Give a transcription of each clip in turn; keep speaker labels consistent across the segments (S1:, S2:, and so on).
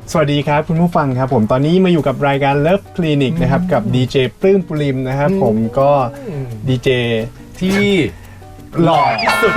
S1: สวัสดีครับคุณผู้ฟังครับผมตอนนี้มาอยู่กับรายการ Love Clinic นะครับกับดีเจปลื้มปุริมนะครับผมก็ดีเจ
S2: ที่หล่อที่สุด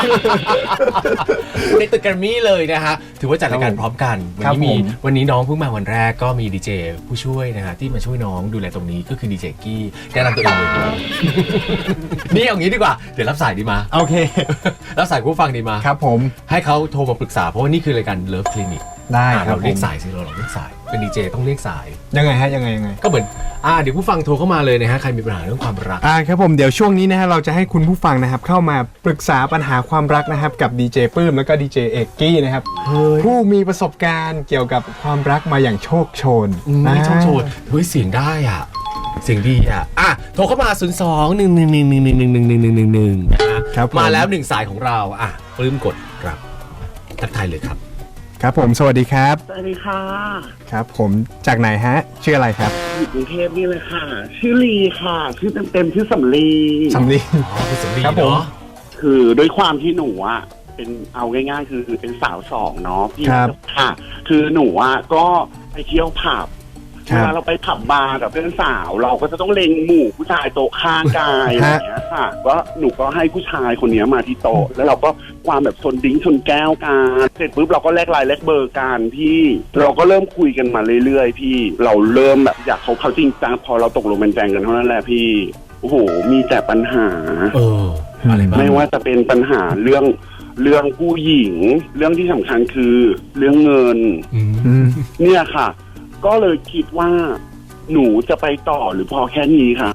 S2: ในตึกแกรมมี่เลยนะฮะถือว่าจัดรายการพร้อมกันวันนี้น้องเพิ่งมาวันแรกก็มีดีเจผู้ช่วยนะฮะที่มาช่วยน้องดูแลตรงนี้ก็คือดีเจกี้แนะนำตัวเองเลยนี่เอางี้ดีกว่าเดี๋ยวรับสายดีมา
S1: โอเค
S2: รับสายผู้ฟังดีมา
S1: ครับผม
S2: ให้เขาโทรมาปรึกษาเพราะว่านี่คือรายการ Love Clinic
S1: ได้ครับ
S2: เราเรียกสายสิเราเรียกสายเป็นดีเจต้องเรียกสาย
S1: ยังไงฮะยังไง
S2: ก็เหมือนเดี๋ยวผู้ฟังโทรเข้ามาเลยนะฮะใครมีปัญหาเรื่องความรัก
S1: ครับผมเดี๋ยวช่วงนี้นะฮะเราจะให้คุณผู้ฟังนะครับเข้ามาปรึกษาปัญหาความรักนะครับกับดีเจปลื้มแล้วก็ดีเจเอกกี้นะครับผู้มีประสบการณ์เกี่ยวกับความรักมาอย่างโชคโชน
S2: โชคโชนเฮ้ยเสียงได้อ่ะเสียงดีโทรเข้ามา02-111-111-111นะมาแล้ว1สายของเราปลื้มกดรับทักทายเลยครับ
S1: ครับผมสวัสดีครับ
S3: สวัสดีค่ะ
S1: ครับผมจากไหนฮะชื่ออะไรครับ
S3: อยู่กรุงเทพนี่เลยค่ะชื่อลีค่ะชื่อเต็มชื่อสำลี
S2: คือสำลี
S1: ครับผม
S3: คือด้วยความที่หนูเป็นเอาง่ายๆคือเป็นสาวสองเนาะพี่ค่ะคือหนูก็ไปเที่ยวผับเวลาเราไปผับบาร์กับเพื่อนสาวเราก็จะต้องเล็งหมู่ผู้ชายโต๊ะข้างกายอะไรอย่างเงี้ยค่ะก็หนูก็ให้ผู้ชายคนนี้มาที่โต๊ะแล้วเราก็ความแบบชนดิ้งชนแก้วกันเสร็จปุ๊บเราก็แลกไลน์แลกเบอร์กันพี่เราก็เริ่มคุยกันมาเรื่อยๆพี่เราเริ่มแบบอยากเขาจริงจังพอเราตกลงเป็นแฟนกันเท่านั้นแหละพี่โอ้โหมีแต่ปัญหา
S2: อะไรบ้าง
S3: ไม่ว่าจะเป็นปัญหาเรื่องผู้หญิงเรื่องที่สำคัญคือเรื่องเงินเนี่ยค่ะก็เลยคิดว่าหนูจะไปต่อหรือพอแค่นี้ค่ะ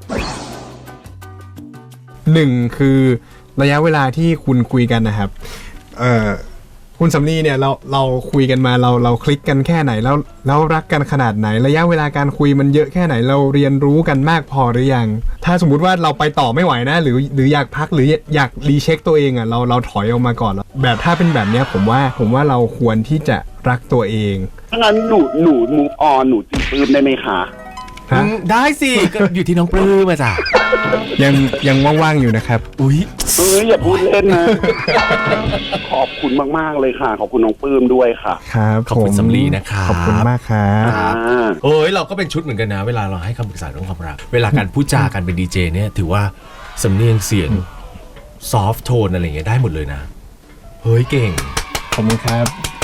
S1: 1คือระยะเวลาที่คุณคุยกันนะครับคุณสำลีเนี่ยเราคุยกันมาเราคลิกกันแค่ไหนแล้วรักกันขนาดไหนระยะเวลาการคุยมันเยอะแค่ไหนเราเรียนรู้กันมากพอหรือยังถ้าสมมุติว่าเราไปต่อไม่ไหวนะหรืออยากพักหรืออยากรีเช็คตัวเองเราถอยออกมาก่อนแล้วแบบถ้าเป็นแบบนี้ผมว่าเราควรที่จะรักตัวเอง
S3: ถ้างั้นหนูมูฟออนหนูจีบปลื้มได้ไหมคะ
S2: ได้สิก็อยู่ที่น้องปลื้มมาจ้ะ
S1: ยังว่างๆอยู่นะครับ
S3: อย่าพูดเล่นนะขอบคุณมากๆเลยค่ะขอบคุณน้องปลื้มด้วยค่ะ
S1: ครับ
S2: ขอบคุณสำลีนะครับ
S1: ขอบคุณมากครับ
S2: เราก็เป็นชุดเหมือนกันนะเวลาเราให้คำปรึกษาเรื่องความรักเวลาการพูดจากันเป็นดีเจเนี่ยถือว่าสำเนียงเสียงซอฟท์โทนอะไรอย่างเงี้ยได้หมดเลยนะเฮ้ยเก่ง
S1: ขอบคุณครับ